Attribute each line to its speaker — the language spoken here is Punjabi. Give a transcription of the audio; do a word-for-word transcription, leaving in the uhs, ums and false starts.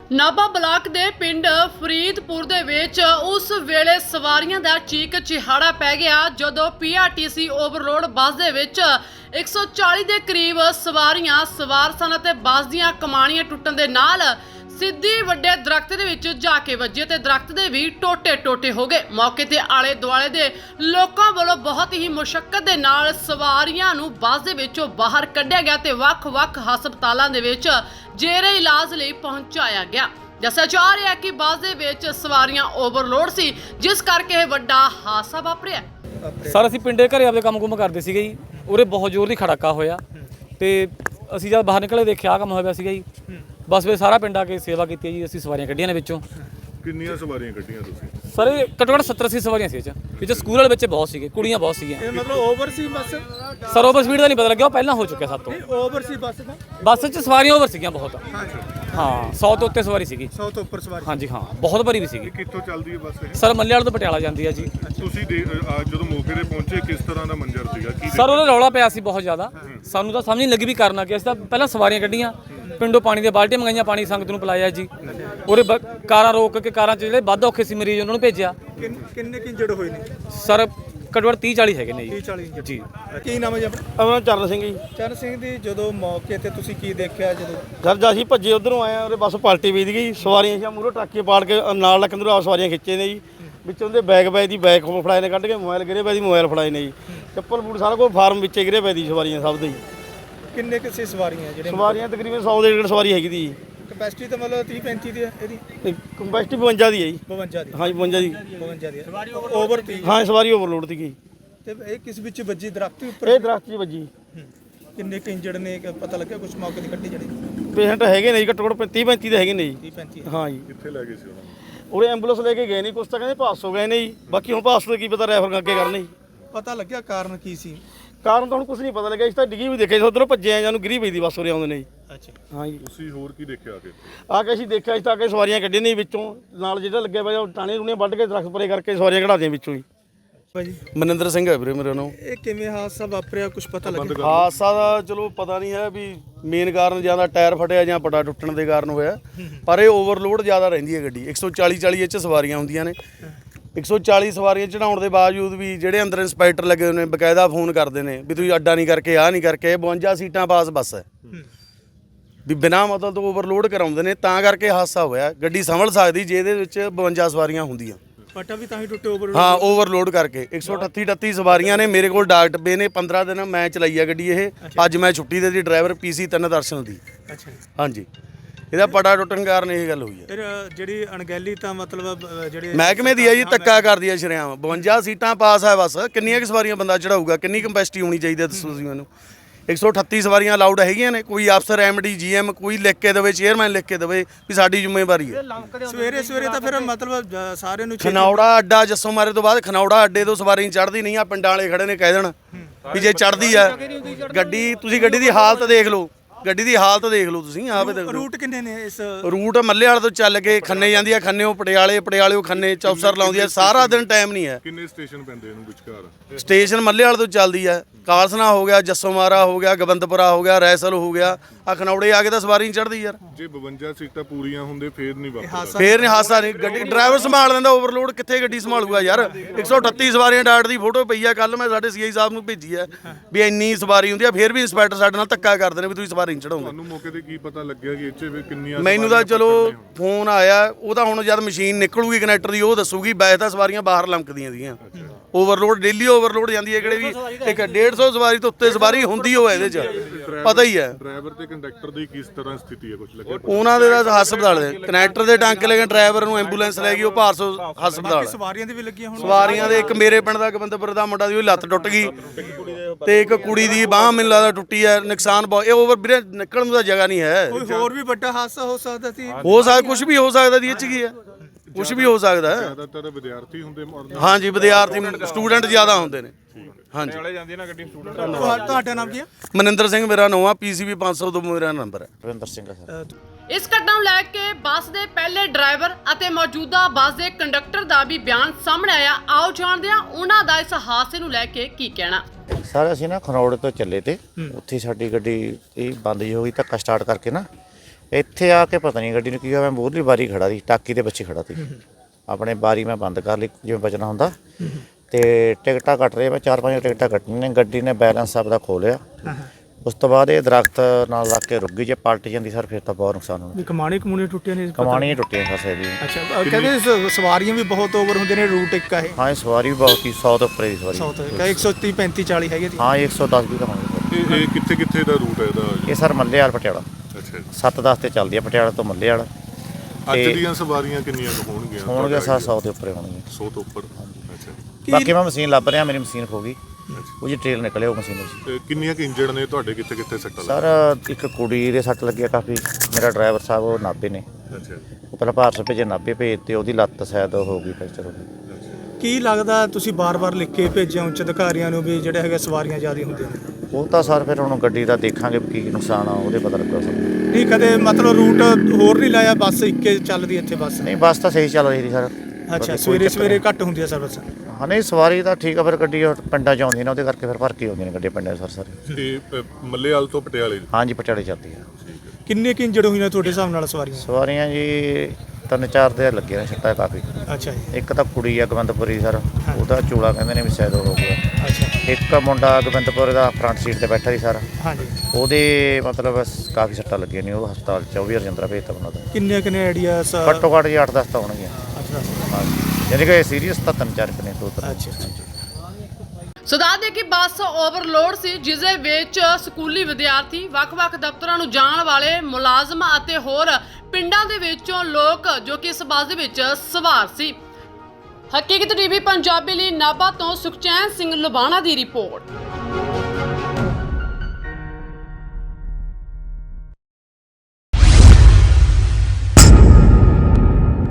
Speaker 1: ਨਾਭਾ ਬਲਾਕ ਦੇ ਪਿੰਡ ਫਰੀਦਪੁਰ ਦੇ ਵਿੱਚ ਉਸ ਵੇਲੇ ਸਵਾਰੀਆਂ ਦਾ ਚੀਕ ਚਿਹਾੜਾ ਪੈ ਗਿਆ ਜਦੋਂ ਪੀਆਰਟੀਸੀ ਓਵਰਲੋਡ ਬੱਸ ਦੇ ਵਿੱਚ ਇੱਕ ਸੌ ਚਾਲੀ ਦੇ ਕਰੀਬ ਸਵਾਰੀਆਂ ਸਵਾਰ ਸਨ ਅਤੇ ਬੱਸ ਦੀਆਂ ਕਮਾਣੀਆਂ ਟੁੱਟਣ ਦੇ ਨਾਲ ਸਿੱਧੀ ਵੱਡੇ ਦਰਖਤ ਦੇ ਵਿੱਚ ਜਾ ਕੇ ਵੱਜੇ ਤੇ ਦਰਖਤ ਦੇ ਵੀ ਟੋਟੇ ਟੋਟੇ ਹੋ ਗਏ। ਮੌਕੇ ਤੇ ਆਲੇ ਦੁਆਲੇ ਦੇ ਲੋਕਾਂ ਵੱਲੋਂ ਬਹੁਤ ਹੀ ਮੁਸ਼ੱਕਤ ਦੇ ਨਾਲ ਸਵਾਰੀਆਂ ਨੂੰ ਬੱਸ ਦੇ ਵਿੱਚੋਂ ਬਾਹਰ ਕੱਢਿਆ ਗਿਆ ਤੇ ਵੱਖ-ਵੱਖ ਹਸਪਤਾਲਾਂ ਦੇ ਵਿੱਚ ਜੇਰੇ ਇਲਾਜ ਲਈ ਪਹੁੰਚਾਇਆ ਗਿਆ। ਦੱਸਿਆ ਜਾ ਰਿਹਾ ਹੈ ਕਿ ਬੱਸ ਦੇ ਵਿੱਚ ਸਵਾਰੀਆਂ ਓਵਰਲੋਡ ਸੀ, ਜਿਸ ਕਰਕੇ ਇਹ ਵੱਡਾ ਹਾਦਸਾ ਵਾਪਰਿਆ।
Speaker 2: ਸਰ ਅਸੀਂ ਪਿੰਡੇ ਘਰੇ ਆਪਦੇ ਕੰਮ ਕੁਮ ਕਰਦੇ ਸੀਗੇ ਜੀ, ਉਰੇ ਬਹੁਤ ਜ਼ੋਰ ਦੀ ਖੜਾਕਾ ਹੋਇਆ ਤੇ ਅਸੀਂ ਜਦ ਬਾਹਰ ਨਿਕਲੇ ਦੇਖਿਆ ਕੰਮ ਹੋਇਆ ਸੀਗਾ ਜੀ। ਬਸ ਵੇ ਸਾਰਾ ਪਿੰਡ ਆ ਕੇ ਸੇਵਾ ਕੀਤੀ ਜੀ, ਅਸੀਂ ਸਵਾਰੀਆਂ ਕੱਢੀਆਂ ਨੇ ਵਿੱਚੋਂ।
Speaker 3: ਕਿੰਨੀਆਂ ਸਵਾਰੀਆਂ ਕੱਢੀਆਂ ਤੁਸੀਂ?
Speaker 2: ਸਰ ਇਹ ਘੱਟੋ ਘੱਟ ਸੱਤਰ ਅੱਸੀ ਸਵਾਰੀਆਂ ਸੀ ਇਹ 'ਚ, ਵਿੱਚ ਸਕੂਲ ਵਾਲੇ ਬੱਚੇ ਬਹੁਤ ਸੀਗੇ, ਕੁੜੀਆਂ ਬਹੁਤ ਸੀਗੀਆਂ।
Speaker 4: ਇਹ ਮਤਲਬ ਓਵਰ ਸੀ ਬੱਸ?
Speaker 2: ਸਰ ਓਵਰ ਸਪੀਡ ਦਾ ਨਹੀਂ ਪਤਾ ਲੱਗਿਆ, ਉਹ ਪਹਿਲਾਂ ਹੋ ਚੁੱਕਿਆ ਸਭ ਤੋਂ।
Speaker 4: ਓਵਰ ਸੀ ਬੱਸ ਦਾ?
Speaker 2: ਬੱਸ 'ਚ ਸਵਾਰੀਆਂ ਓਵਰ ਸੀਗੀਆਂ ਬਹੁਤ। ਹਾਂ ਸੌ ਤੋਂ ਉੱਤੇ ਸਵਾਰੀ ਸੀਗੀ।
Speaker 4: ਸੌ ਤੋਂ ਉੱਪਰ ਸਵਾਰੀ?
Speaker 2: ਹਾਂਜੀ ਹਾਂ, ਬਹੁਤ ਭਰੀ ਵੀ ਸੀਗੀ।
Speaker 3: ਕਿੱਥੋਂ ਚੱਲਦੀ ਹੈ ਬੱਸ ਇਹ?
Speaker 2: ਸਰ ਮੱਲੇ ਵਾਲੇ ਤੋਂ ਪਟਿਆਲਾ ਜਾਂਦੀ ਆ ਜੀ।
Speaker 3: ਤੁਸੀਂ ਦੇ- ਅਹ ਜਦੋਂ ਮੌਕੇ ਤੇ ਪਹੁੰਚੇ ਕਿਸ ਤਰ੍ਹਾਂ ਦਾ ਮੰਜ਼ਰ ਸੀਗਾ? ਕੀ
Speaker 2: ਸਰ ਉਹਦਾ ਰੌਲਾ ਪਿਆ ਸੀ ਬਹੁਤ ਜ਼ਿਆਦਾ, ਸਾਨੂੰ ਤਾਂ ਸਮਝ ਨਹੀਂ ਲੱਗੀ ਵੀ ਕਰਨਾ ਕੀ। ਅਸੀਂ ਤਾਂ ਪਹਿਲਾਂ ਸਵਾਰੀਆਂ ਕੱਢੀਆਂ, ਪਿੰਡੋਂ ਪਾਣੀ ਦੀਆਂ ਬਾਲਟੀਆਂ ਮੰਗਾਈਆਂ, ਪਾਣੀ ਸੰਗਤ ਨੂੰ ਪਿਲਾਇਆ ਜੀ। ਉਹਦੇ ਕਾਰਾਂ ਰੋਕ ਕੇ ਕਾਰਾਂ 'ਚ ਜਿਹੜੇ ਵੱਧ ਔਖੇ ਸੀ ਮਰੀਜ਼ ਉਹਨਾਂ ਨੂੰ ਭੇਜਿਆ।
Speaker 4: ਕਿੰਨੇ ਕਿ ਇੰਜਰਡ ਹੋਏ ਨੇ
Speaker 2: ਸਰ ਘੱਟੋ ਘੱਟ ਤੀਹ ਚਾਲੀ ਹੈਗੇ ਨੇ ਜੀ।
Speaker 4: ਤੀਹ ਚਾਲੀ ਇੰਜਰਡ
Speaker 2: ਜੀ।
Speaker 4: ਕੀ ਨਾਮ ਹੈ ਜੀ ਆਪਣਾ?
Speaker 5: ਆਪਣਾ ਚਰਨ ਸਿੰਘ ਜੀ।
Speaker 4: ਚਰਨ ਸਿੰਘ ਦੀ ਜਦੋਂ ਮੌਕੇ ਤੇ ਤੁਸੀਂ ਕੀ ਦੇਖਿਆ? ਜਦੋਂ
Speaker 5: ਸਰ ਜਦ ਅਸੀਂ ਭੱਜੇ ਉਧਰੋਂ ਆਏ ਆ, ਉਹਦੇ ਬੱਸ ਪਲਟੀ ਵੀਦ ਗਈ, ਸਵਾਰੀਆਂ ਸੀ ਮੂਹਰੋਂ ਟਰੱਕੇ ਪਾੜ ਕੇ ਨਾਲ ਲੱਕ ਅੰਦਰੋਂ ਆ ਸਵਾਰੀਆਂ ਖਿੱਚੇ ਨੇ ਜੀ। ਵਿੱਚੋਂ ਦੇ ਬੈਗ ਬੈਗ ਦੀ ਬੈਗ ਫੜਾਏ ਨੇ ਕੱਢ ਕੇ, ਮੋਬਾਈਲ ਗਿਰੇ ਪਏ ਦੀ ਮੋਬਾਈਲ ਫੜਾਏ ਨੇ ਜੀ, ਚੱਪਲ ਬੂਟ ਸਾਰਾ ਕੁਝ ਫਾਰਮ ਵਿੱਚੇ ਗਿਰੇ ਪਏ ਦੀ ਸਵਾਰੀਆਂ ਸਭ ਦੇ ਜੀ।
Speaker 4: ਕਿੰਨੇ ਕਿਸੇ ਸਵਾਰੀਆਂ ਜਿਹੜੇ?
Speaker 5: ਸਵਾਰੀਆਂ ਤਕਰੀਬਨ ਸੌ ਦੇ ਡੇਢ ਸਵਾਰੀ ਹੈਗੀ ਦੀ ਜੀ।
Speaker 4: ਕਪੈਸਿਟੀ ਤਾਂ ਮਤਲਬ ਤੀਹ ਪੈਂਤੀ ਦੀ ਹੈ ਇਹਦੀ?
Speaker 5: ਕੰਪੈਸਿਟੀ ਬਵੰਜਾ ਦੀ ਹੈ ਜੀ।
Speaker 4: ਬਵੰਜਾ ਦੀ?
Speaker 5: ਹਾਂਜੀ ਬਵੰਜਾ ਦੀ।
Speaker 4: ਬਵੰਜਾ ਦੀ ਓਵਰ ਤੀ?
Speaker 5: ਹਾਂ ਸਵਾਰੀ ਓਵਰਲੋਡ ਦੀ ਗਈ
Speaker 4: ਤੇ ਇਹ ਕਿਸ ਵਿੱਚ ਵੱਜੀ? ਦਰਖਤ ਦੇ ਉੱਪਰ?
Speaker 5: ਇਹ ਦਰਖਤ 'ਚ ਵੱਜੀ।
Speaker 4: ਕਿੰਨੇ ਕਿ ਇੰਜਰਡ ਨੇ ਪਤਾ ਲੱਗਿਆ ਕੁਝ ਮੌਕੇ ਦੀ ਕੱਢੀ ਜਿਹੜੇ?
Speaker 5: ਪੇਸ਼ੈਂਟ ਹੈਗੇ ਨੇ ਜੀ ਘੱਟੋ ਘੱਟ ਤੀਹ ਪੈਂਤੀ ਦੇ ਹੈਗੇ ਨੇ ਜੀ।
Speaker 4: ਤੀਹ ਪੈਂਤੀ?
Speaker 5: ਹਾਂ ਜੀ।
Speaker 3: ਕਿੱਥੇ ਲੈ ਗਏ ਸੀ ਉਹਨਾਂ ਨੂੰ?
Speaker 5: ਉਹਦੇ ਐਂਬੂਲੈਂਸ ਲੈ ਕੇ ਗਏ ਨਹੀਂ, ਕੁਛ ਤਾਂ ਕਹਿੰਦੇ ਪਾਸ ਹੋ ਗਏ ਨੇ ਜੀ, ਬਾਕੀ ਹੁਣ ਪਾਸ ਤੋਂ ਕੀ ਪਤਾ ਰੈਫਰ ਅੱਗੇ ਕਰਨੇ ਜੀ।
Speaker 4: ਪਤਾ ਲੱਗਿਆ ਕਾਰਨ ਕੀ ਸੀ?
Speaker 5: ਕਾਰਨ ਤਾਂ ਹੁਣ ਕੁਝ ਨਹੀਂ ਪਤਾ ਲੱਗਿਆ, ਇਸ ਤਾਂ ਡਿੱਗੀ ਵੀ ਦੇਖਿਆ, ਉਧਰੋਂ ਭੱਜੇ ਆ, ਜਾਨੂੰ ਗਿਰੀ ਪਈ ਦੀ ਬੱਸ ਉਰੇ ਆਉਂਦੇ ਨੇ ਜੀ।
Speaker 4: ਅੱਛਾ।
Speaker 5: ਹਾਂ ਜੀ।
Speaker 3: ਤੁਸੀਂ ਹੋਰ ਕੀ ਦੇਖਿਆ ਆ ਕੇ?
Speaker 5: ਆ ਕੇ ਅਸੀਂ ਦੇਖਿਆ, ਇਸ ਤਾਂ ਆ ਕੇ ਸਵਾਰੀਆਂ ਕੱਢੀਆਂ ਨੇ ਵਿੱਚੋਂ, ਨਾਲ ਜਿਹੜਾ ਲੱਗਿਆ ਪਿਆ ਟਾਣੇ ਟੂਣੇ ਵੱਢ ਕੇ ਦਰਖਤ ਪਰੇ ਕਰਕੇ ਸਵਾਰੀਆਂ ਕਢਾ ਦੀਆਂ ਵਿੱਚੋਂ ਹੀ।
Speaker 4: ਭਾਜੀ
Speaker 5: ਮਨਿੰਦਰ ਸਿੰਘ ਹੈ ਵੀਰੇ ਮੇਰੇ ਨਾਮ।
Speaker 4: ਇਹ ਕਿਵੇਂ ਹਾਦਸਾ ਵਾਪਰਿਆ, ਕੁਝ ਪਤਾ ਲੱਗਿਆ?
Speaker 5: ਹਾਦਸਾ ਦਾ ਚਲੋ ਪਤਾ ਨਹੀਂ ਹੈ ਵੀ ਮੇਨ ਕਾਰਨ ਜਾਂ ਤਾਂ ਟਾਇਰ ਫਟਿਆ ਜਾਂ ਪਟਾ ਟੁੱਟਣ ਦੇ ਕਾਰਨ ਹੋਇਆ, ਪਰ ਇਹ ਓਵਰਲੋਡ ਜ਼ਿਆਦਾ ਰਹਿੰਦੀ ਹੈ ਗੱਡੀ। ਇੱਕ ਸੌ ਚਾਲੀ ਚਾਲੀ ਇਹ 'ਚ ਸਵਾਰੀਆਂ ਹੁੰਦੀਆਂ ਨੇ। ਇੱਕ ਸੌ ਚਾਲੀ ਸਵਾਰੀਆਂ ਚੜਾਉਣ ਦੇ ਬਾਵਜੂਦ ਵੀ ਜਿਹੜੇ ਅੰਦਰ ਇੰਸਪੈਕਟਰ ਲੱਗੇ ਹੋਏ ਨੇ ਬਕਾਇਦਾ ਫੋਨ ਕਰਦੇ ਨੇ ਵੀ ਤੁਸੀਂ ਅੱਡਾ ਨਹੀਂ ਕਰਕੇ ਆਹ ਨਹੀਂ ਕਰਕੇ। ਬਵੰਜਾ ਸੀਟਾਂ ਪਾਸ ਬੱਸ ਹੈ ਵੀ ਬਿਨਾਂ ਮਤਲਬ ਤੋਂ ਓਵਰਲੋਡ ਕਰਾਉਂਦੇ ਨੇ, ਤਾਂ ਕਰਕੇ ਹਾਦਸਾ ਹੋਇਆ। ਗੱਡੀ ਸੰਭਲ ਸਕਦੀ ਜੇ ਇਹਦੇ ਵਿੱਚ ਬਵੰਜਾ ਸਵਾਰੀਆਂ ਹੁੰਦੀਆਂ।
Speaker 4: ਪਟਾ ਵੀ ਤਾਂ ਹੀ ਟੁੱਟੇ ਓਵਰ?
Speaker 5: ਹਾਂ ਓਵਰਲੋਡ ਕਰਕੇ ਇੱਕ ਸੌ ਅਠੱਤੀ ਅਠੱਤੀ ਸਵਾਰੀਆਂ ਨੇ। ਮੇਰੇ ਕੋਲ ਡਾਕ ਡੱਬੇ ਨੇ, ਪੰਦਰਾਂ ਦਿਨ ਮੈਂ ਚਲਾਈ ਆ ਗੱਡੀ ਇਹ। ਅੱਜ ਮੈਂ ਛੁੱਟੀ ਦੇ ਦੀ ਡਰਾਈਵਰ ਪੀਸੀ ਤਿੰਨ ਦਰਸ਼ਨ ਦੀ।
Speaker 4: ਅੱਛਾ।
Speaker 5: ਹਾਂਜੀ, ਇਹਦਾ ਪਟਾ ਟੁੱਟਣ ਕਾਰਨ ਇਹ ਗੱਲ ਹੋਈ ਹੈ।
Speaker 4: ਫਿਰ ਜਿਹੜੀ ਅਣਗਹਿਲੀ ਤਾਂ ਮਤਲਬ ਜਿਹੜੇ
Speaker 5: ਮਹਿਕਮੇ ਦੀ ਹੈ ਜੀ, ਧੱਕਾ ਕਰਦੀ ਹੈ ਸ਼ਰੇਆਮ। ਬਵੰਜਾ ਸੀਟਾਂ ਪਾਸ ਹੈ ਬੱਸ, ਕਿੰਨੀਆਂ ਕੁ ਸਵਾਰੀਆਂ ਬੰਦਾ ਚੜਾਊਗਾ? ਕਿੰਨੀ ਕੰਪੈਸਿਟੀ ਹੋਣੀ ਚਾਹੀਦੀ ਹੈ ਦੱਸੋ ਤੁਸੀਂ ਮੈਨੂੰ? ਇੱਕ ਸੌ ਅਠੱਤੀ ਸਵਾਰੀਆਂ ਅਲਾਊਡ ਹੈਗੀਆਂ ਨੇ। ਕੋਈ ਅਫਸਰ ਐਮਡੀ ਜੀਐਮ ਕੋਈ ਲਿਖ ਕੇ ਦੇਵੇ, ਚੇਅਰਮੈਨ ਲਿਖ ਕੇ ਦੇਵੇ ਵੀ ਸਾਡੀ ਜ਼ਿੰਮੇਵਾਰੀ ਹੈ।
Speaker 4: ਸਵੇਰੇ ਸਵੇਰੇ ਤਾਂ ਫਿਰ ਮਤਲਬ ਸਾਰਿਆਂ ਨੂੰ
Speaker 5: ਖਨੌੜਾ ਅੱਡਾ ਜੱਸੋ ਮਾਰੇ ਤੋਂ ਬਾਅਦ ਖਨੌੜਾ ਅੱਡੇ ਤੋਂ ਸਵਾਰੀ ਚੜ੍ਹਦੀ ਨਹੀਂ ਆ। ਪਿੰਡਾਂ ਵਾਲੇ ਖੜੇ ਨੇ ਕਹਿ ਦੇਣ ਵੀ ਜੇ ਚੜ੍ਹਦੀ ਆ ਗੱਡੀ, ਤੁਸੀਂ ਗੱਡੀ ਦੀ ਹਾਲਤ ਦੇਖ ਲਓ, ਗੱਡੀ ਦੀ ਹਾਲਤ ਦੇਖ ਲਓ ਤੁਸੀਂ ਆਪੇ ਦੇਖ ਲਓ।
Speaker 4: ਰੂਟ ਕਿੰਨੇ ਨੇ ਇਸ?
Speaker 5: ਰੂਟ ਮੱਲੇ ਵਾਲੇ ਤੋਂ ਚੱਲ ਕੇ ਖੰਨੇ ਜਾਂਦੀ ਆ, ਖੰਨੇੋਂ ਪਟਿਆਲੇ, ਪਟਿਆਲੇੋਂ ਖੰਨੇ, ਚੌਪਸਰ ਲਾਉਂਦੀ ਆ। ਸਾਰਾ ਦਿਨ ਟਾਈਮ ਨਹੀਂ ਹੈ।
Speaker 3: ਕਿੰਨੇ ਸਟੇਸ਼ਨ ਪੈਂਦੇ ਇਹਨੂੰ ਵਿਚਕਾਰ?
Speaker 5: ਸਟੇਸ਼ਨ ਮੱਲੇ ਵਾਲੇ ਤੋਂ ਚੱਲਦੀ ਆ, ਕਾਲਸਨਾ ਹੋ ਗਿਆ, ਜੱਸੋ ਮਾਰਾ ਹੋ ਗਿਆ, ਗੋਬਿੰਦਪੁਰਾ ਹੋ ਗਿਆ, ਰੈਸਲ ਹੋ ਗਿਆ, ਆ ਖਨੌੜੇ ਆ ਕੇ ਤਾਂ ਸਵਾਰੀ ਨਹੀਂ ਚੜ੍ਹਦੀ ਯਾਰ।
Speaker 3: ਜੇ ਬਵੰਜਾ ਸੀਟਾਂ ਪੂਰੀਆਂ ਹੁੰਦੇ ਫੇਰ ਨਹੀਂ ਵਾਪਰਦਾ?
Speaker 5: ਫੇਰ ਨਹੀਂ ਹਾਸਾ ਨਹੀਂ। ਗੱਡੀ ਡਰਾਈਵਰ ਸੰਭਾਲ ਲੈਂਦਾ, ਓਵਰਲੋਡ ਕਿੱਥੇ ਗੱਡੀ ਸੰਭਾਲੂਗਾ ਯਾਰ? ਇੱਕ ਸੌ ਅਠੱਤੀ ਸਵਾਰੀਆਂ ਡਾਟ ਦੀ ਫੋਟੋ ਪਈ ਆ, ਕੱਲ ਮੈਂ ਸਾਡੇ ਸੀਆਈ ਸਾਹਿਬ ਨੂੰ ਭੇਜੀ ਆ ਵੀ ਇੰਨੀ ਸਵਾਰੀ ਹੁੰਦੀ ਆ, ਫੇਰ ਵੀ ਇੰਸਪੈਕਟਰ ਸਾਡੇ ਨਾਲ ਧੱਕਾ ਕਰਦੇ ਨੇ ਵੀ ਤੁਸੀਂ ਸਵਾਰੀ ਨਹੀਂ ਚੜਾਉਂਦੇ।
Speaker 3: ਤੁਹਾਨੂੰ ਮੌਕੇ ਤੇ ਕੀ ਪਤਾ ਲੱਗਿਆ ਕਿ ਇੱਥੇ ਵੀ ਕਿੰਨੀਆਂ?
Speaker 5: ਮੈਨੂੰ ਤਾਂ ਚਲੋ ਫੋਨ ਆਇਆ, ਉਹ ਤਾਂ ਹੁਣ ਜਦ ਮਸ਼ੀਨ ਨਿਕਲੂਗੀ ਕਨੈਕਟਰ ਦੀ ਉਹ ਦੱਸੂਗੀ। ਵੈਸੇ ਤਾਂ ਸਵਾਰੀਆਂ ਬਾਹਰ ਲੰਕਦੀਆਂ ਸੀਗੀਆਂ। ਓਵਰਲੋਡ ਡੇਲੀ ਓਵਰਲੋਡ ਜਾਂਦੀ ਹੈ, ਕਿਹੜੇ ਵੀ ਇੱਕ ਡੇਢ ਸੌ ਸਵਾਰੀ ਤੋਂ ਉੱਤੇ ਸਵਾਰੀ ਹੁੰਦੀ ਹੋਵੇ ਇਹਦੇ 'ਚ, ਪਤਾ ਹੀ ਹੈ।
Speaker 3: ਡਰਾਈਵਰ ਤੇ ਕੰਡਕਟਰ ਦੀ ਕਿਸ ਤਰ੍ਹਾਂ ਸਥਿਤੀ ਹੈ, ਕੁਝ ਲੱਗਿਆ?
Speaker 5: ਉਹਨਾਂ ਦੇ ਤਾਂ ਹਸਪਤਾਲ ਦੇ ਕਨੈਕਟਰ ਦੇ ਟਾਂਕੇ ਲੈ ਕੇ ਡਰਾਈਵਰ ਨੂੰ ਐਂਬੂਲੈਂਸ ਲੈ ਗਈ, ਉਹ ਭਾਰਸੋ ਹਸਪਤਾਲ।
Speaker 4: ਸਵਾਰੀਆਂ ਦੀ ਵੀ ਲੱਗੀਆਂ ਹੁਣ?
Speaker 5: ਸਵਾਰੀਆਂ ਦੇ ਇੱਕ ਮੇਰੇ ਪਿੰਡ ਦਾ ਗੋਬਿੰਦਪੁਰ ਦਾ ਮੁੰਡਾ ਦੀ ਉਹ ਲੱਤ ਟੁੱਟ ਗਈ ਤੇ ਇੱਕ ਕੁੜੀ ਦੀ ਬਾਂਹ ਮੈਨੂੰ ਲੱਗਦਾ ਟੁੱਟੀ ਹੈ। ਨੁਕਸਾਨ ਬਹੁਤ, ਇਹ ਓਵਰ ਵੀਰੇ ਨਿਕਲਣ ਨੂੰ ਤਾਂ ਜਗ੍ਹਾ ਨਹੀਂ ਹੈ।
Speaker 4: ਕੋਈ ਹੋਰ ਵੀ ਵੱਡਾ ਹਾਦਸਾ ਹੋ ਸਕਦਾ ਸੀ?
Speaker 5: ਹੋ ਸਕਦਾ, ਕੁਝ ਵੀ ਹੋ ਸਕਦਾ ਦੀ ਇਹ 'ਚ ਕੀ ਹੈ, ਕੁਝ ਵੀ ਹੋ ਸਕਦਾ ਹੈ।
Speaker 3: ਜ਼ਿਆਦਾਤਰ ਵਿਦਿਆਰਥੀ ਹੁੰਦੇ?
Speaker 5: ਹਾਂਜੀ ਵਿਦਿਆਰਥੀ ਸਟੂਡੈਂਟ ਜ਼ਿਆਦਾ ਹੁੰਦੇ ਨੇ। ਹਾਂਜੀ।
Speaker 4: ਤੁਹਾਡਾ ਨਾਮ ਕੀ ਹੈ?
Speaker 5: ਮਨਿੰਦਰ ਸਿੰਘ ਮੇਰਾ ਨਾਮ ਆ, ਪੀਸੀਬੀ ਪੰਜ ਸੌ ਤੋਂ ਮੇਰਾ ਨੰਬਰ ਹੈ।
Speaker 6: ਰਵਿੰਦਰ ਸਿੰਘ ਸਰ।
Speaker 1: ਇਸ ਘਟਨਾ ਨੂੰ ਲੈ ਕੇ ਬੱਸ ਦੇ ਪਹਿਲੇ ਡਰਾਈਵਰ ਅਤੇ ਮੌਜੂਦਾ ਬੱਸ ਦੇ ਕੰਡਕਟਰ ਦਾ ਵੀ ਬਿਆਨ ਸਾਹਮਣੇ ਆਇਆ। ਆਓ ਜਾਣਦੇ ਹਾਂ ਉਹਨਾਂ ਦਾ ਇਸ ਹਾਦਸੇ ਨੂੰ ਲੈ ਕੇ ਕੀ ਕਹਿਣਾ।
Speaker 6: ਸਰ ਅਸੀਂ ਨਾ ਖਨੌੜ ਤੋਂ ਚੱਲੇ ਤੇ ਉੱਥੇ ਸਾਡੀ ਗੱਡੀ ਇਹ ਬੰਦ ਜਿਹੀ ਹੋ ਗਈ, ਧੱਕਾ ਸਟਾਰਟ ਕਰਕੇ ਨਾ ਇੱਥੇ ਆ ਕੇ ਪਤਾ ਨਹੀਂ ਗੱਡੀ ਨੂੰ ਕੀ ਹੋਇਆ, ਮੈਂ ਮੂਹਰਲੀ ਬਾਰੀ ਖੜਾ ਸੀ, ਟਾਕੀ ਦੇ ਪਿੱਛੇ ਖੜਾ ਸੀ। ਆਪਣੇ ਬਾਰੀ ਮੈਂ ਬੰਦ ਕਰ ਲਈ ਜਿਵੇਂ ਬਚਣਾ ਹੁੰਦਾ, ਤੇ ਟਿਕਟਾਂ ਕੱਟ ਰਹੇ, ਮੈਂ ਚਾਰ ਪੰਜ ਟਿਕਟਾਂ ਕੱਟਣੀਆਂ ਨੇ। ਗੱਡੀ ਨੇ ਬੈਲੈਂਸ ਆਪਦਾ ਖੋ ਲਿਆ। ਉਸ ਤੋਂ ਬਾਅਦ ਇਹ ਦਰਖਤ ਨਾਲ ਲੱਗ ਕੇ ਰੁਕ ਗਈ। ਜੇ ਪਲਟ ਜਾਂਦੀ ਸਰ ਫਿਰ ਤਾਂ ਬਹੁਤ ਨੁਕਸਾਨ ਹੋਣਾ।
Speaker 4: ਕਮਾਣੀ ਕਮੂਣੀ ਟੁੱਟੀਆਂ ਨੇ?
Speaker 6: ਕਮਾਣੀਆਂ ਟੁੱਟੀਆਂ ਫਸੇ ਦੀ।
Speaker 4: ਅੱਛਾ, ਅ, ਕਹਿੰਦੇ ਸ- ਸਵਾਰੀਆਂ ਵੀ ਬਹੁਤ ਓਵਰ ਹੁੰਦੇ ਨੇ, ਰੂਟ ਇੱਕ ਆ ਇਹ
Speaker 6: ਹਾਂ ਇਹ ਸਵਾਰੀ ਵੀ ਬਹੁਤ ਹੀ ਸੌ ਤੋਂ ਉੱਪਰ ਦੀ ਸਵਾਰੀ।
Speaker 4: ਸਾਊਥ ਕਾ ਇੱਕ ਸੌ ਤੀਹ ਪੈਂਤੀ ਚਾਲੀ ਹੈਗੇ ਜੀ।
Speaker 6: ਹਾਂ ਇੱਕ ਸੌ ਦਸ ਵੀ ਤਾਂ ਹੋਣੀ।
Speaker 3: ਇਹ ਇਹ ਕਿੱਥੇ ਕਿੱਥੇ ਦਾ ਰੂਟ ਹੈ ਇਹਦਾ?
Speaker 6: ਇਹ ਸਰ ਮੱਲੇ ਵਾਲ ਪਟਿਆਲਾ
Speaker 3: ਅੱਛਾ ਜੀ।
Speaker 6: ਸੱਤ ਦਸ ਤੇ ਚੱਲਦੀ ਆ, ਪਟਿਆਲਾ ਤੋਂ ਮੱਲੇ ਵਾਲਾ।
Speaker 3: ਅੱਜ ਦੀਆਂ ਸਵਾਰੀਆਂ ਕਿੰਨੀਆਂ ਕੁ ਹੋਣਗੀਆਂ?
Speaker 6: ਹੋਣਗੇ ਸਰ ਸੌ ਦੇ ਉੱਪਰ ਹੋਣਗੇ।
Speaker 3: ਸੌ ਤੋਂ ਉੱਪਰ। ਅੱਛਾ ਜੀ।
Speaker 6: ਬਾਕੀ ਮੈਂ ਮਸ਼ੀਨ ਲੱਭ ਰਿਹਾ, ਮੇਰੀ ਮਸ਼ੀਨ ਖੋ ਗਈ, ਉਹ ਜੀ ਟ੍ਰੇਲ ਨਿਕਲੇ ਉਹ ਮਸ਼ੀਨ ਵਿੱਚ।
Speaker 3: ਤੇ ਕਿੰਨੀਆਂ ਕੁ ਇੰਜਰਡ ਨੇ ਤੁਹਾਡੇ? ਕਿੱਥੇ ਕਿੱਥੇ ਸੱਟਾਂ
Speaker 6: ਸਰ ਇੱਕ ਕੁੜੀ ਦੇ ਸੱਟ ਲੱਗਿਆ ਕਾਫੀ। ਮੇਰਾ ਡਰਾਈਵਰ ਸਾਹਿਬ ਉਹ ਨਾਭੇ ਨੇ,
Speaker 3: ਲੱਗੀਆਂ? ਅੱਛਾ ਜੀ।
Speaker 6: ਉਹ ਪਹਿਲਾਂ ਭਾਰਤ ਭੇਜੇ, ਨਾਭੇ ਭੇਜ ਤੇ ਉਹਦੀ ਲੱਤ ਸ਼ਾਇਦ ਹੋ ਗਈ ਫ੍ਰੈਕਚਰ ਹੋ ਗਈ।
Speaker 4: ਕੀ ਲੱਗਦਾ ਤੁਸੀਂ ਬਾਰ-ਬਾਰ ਲਿਖ ਕੇ ਭੇਜਿਆ ਉੱਚ ਅਧਿਕਾਰੀਆਂ ਨੂੰ ਵੀ ਜਿਹੜੇ ਹੈਗੇ ਸਵਾਰੀਆਂ ਜ਼ਿਆਦਾ ਹੁੰਦੀਆਂ ਨੇ?
Speaker 6: ਉਹ ਤਾਂ ਸਰ ਫਿਰ ਹੁਣ ਗੱਡੀ ਦਾ ਦੇਖਾਂਗੇ ਕੀ ਨੁਕਸਾਨ ਆ, ਉਹਦੇ ਪਤਾ ਲੱਗਾ ਸਰ।
Speaker 4: ਨਹੀਂ ਕਦੇ ਮਤਲਬ ਰੂਟ ਹੋਰ ਨਹੀਂ ਲਾਇਆ, ਬੱਸ ਇੱਕੇ ਚੱਲਦੀ ਇੱਥੇ ਬੱਸ?
Speaker 6: ਨਹੀਂ ਬੱਸ ਤਾਂ ਸਹੀ ਚੱਲ ਰਹੀ ਸੀ ਸਰ।
Speaker 4: ਅੱਛਾ, ਸਵੇਰੇ ਸਵੇਰੇ ਘੱਟ ਹੁੰਦੀ ਹੈ ਸਰਵਿਸ?
Speaker 6: ਹਾਂ ਨਹੀਂ ਸਵਾਰੀ ਤਾਂ ਠੀਕ ਆ, ਫਿਰ ਗੱਡੀ ਉਹ ਪਿੰਡਾਂ 'ਚ ਆਉਂਦੀ ਨੇ, ਉਹਦੇ ਕਰਕੇ ਫਿਰ ਭਰ ਕੇ ਆਉਂਦੀਆਂ ਨੇ ਗੱਡੀਆਂ ਪਿੰਡਾਂ 'ਚ ਸਰ ਸਰ।
Speaker 3: ਤੇ ਅ, ਮੱਲੇਵਾਲ ਤੋਂ ਪਟਿਆਲੇ?
Speaker 6: ਹਾਂਜੀ ਪਟਿਆਲੇ ਚੱਲਦੀ ਆ।
Speaker 4: ਕਿੰਨੇ ਕੁ ਇੰਜਰਡ ਹੋਈਆਂ ਤੁਹਾਡੇ ਹਿਸਾਬ ਨਾਲ ਸਵਾਰੀਆਂ?
Speaker 6: ਸਵਾਰੀਆਂ ਜੀ ਤਿੰਨ ਚਾਰ ਦੇ ਲੱਗੀਆਂ ਨੇ ਛੱਟਾਂ ਕਾਫੀ।
Speaker 4: ਅੱਛਾ ਜੀ।
Speaker 6: ਇੱਕ ਤਾਂ ਕੁੜੀ ਆ ਗੋਬਿੰਦਪੁਰੀ ਸਰ, ਉਹਦਾ ਚੋਲਾ ਕਹਿੰਦੇ ਨੇ ਵੀ ਸ਼ਾਇਦ ਉਹ ਹੋ ਗਿਆ।
Speaker 4: ਅੱਛਾ।
Speaker 6: ਇੱਕ ਮੁੰਡਾ ਗੋਬਿੰਦਪੁਰ ਦਾ ਫਰੰਟ ਸੀਟ ਤੇ ਬੈਠਾ ਸੀ ਸਰ,
Speaker 4: ਹਾਂਜੀ।
Speaker 6: ਉਹਦੇ ਮਤਲਬ ਕਾਫੀ ਸੱਟਾਂ ਲੱਗੀਆਂ ਨੇ, ਉਹ ਹਸਪਤਾਲ ਚ ਉਹ ਵੀ ਰਜਿੰਦਰਾ ਭੇਜਤਾ ਉਹਨਾਂ ਦਾ।
Speaker 4: ਕਿੰਨੇ ਕਿੰਨੇ ਆਈਡੀਆ?
Speaker 6: ਘੱਟੋ ਘੱਟ ਜੀ ਅੱਠ ਦਸ ਤਾਂ ਹੋਣਗੀਆਂ।
Speaker 4: ਅੱਛਾ
Speaker 6: ਹਾਂਜੀ ਯਾਨੀ ਕਿ ਸੀਰੀਅਸ ਤਾਂ ਤਿੰਨ ਚਾਰ ਕੁ ਨੇ ਦੋ ਤਿੰਨ।
Speaker 4: ਅੱਛਾ।
Speaker 1: ਸੋ ਦੱਸ ਦੇ ਕਿ ਬੱਸ ਓਵਰਲੋਡ ਸੀ, ਜਿਸ ਦੇ ਵਿੱਚ ਸਕੂਲੀ ਵਿਦਿਆਰਥੀ, ਵੱਖ-ਵੱਖ ਦਫ਼ਤਰਾਂ ਨੂੰ ਜਾਣ ਵਾਲੇ ਮੁਲਾਜ਼ਮ ਅਤੇ ਹੋਰ ਪਿੰਡਾਂ ਦੇ ਵਿੱਚੋਂ ਲੋਕ ਜੋ ਕਿ ਇਸ ਬੱਸ ਦੇ ਵਿੱਚ ਸਵਾਰ ਸੀ। ਹਕੀਕਤ ਟੀਵੀ ਪੰਜਾਬੀ ਲਈ ਨਾਭਾ ਤੋਂ ਸੁਖਚੈਨ ਸਿੰਘ ਲੁਬਾਣਾ ਦੀ ਰਿਪੋਰਟ।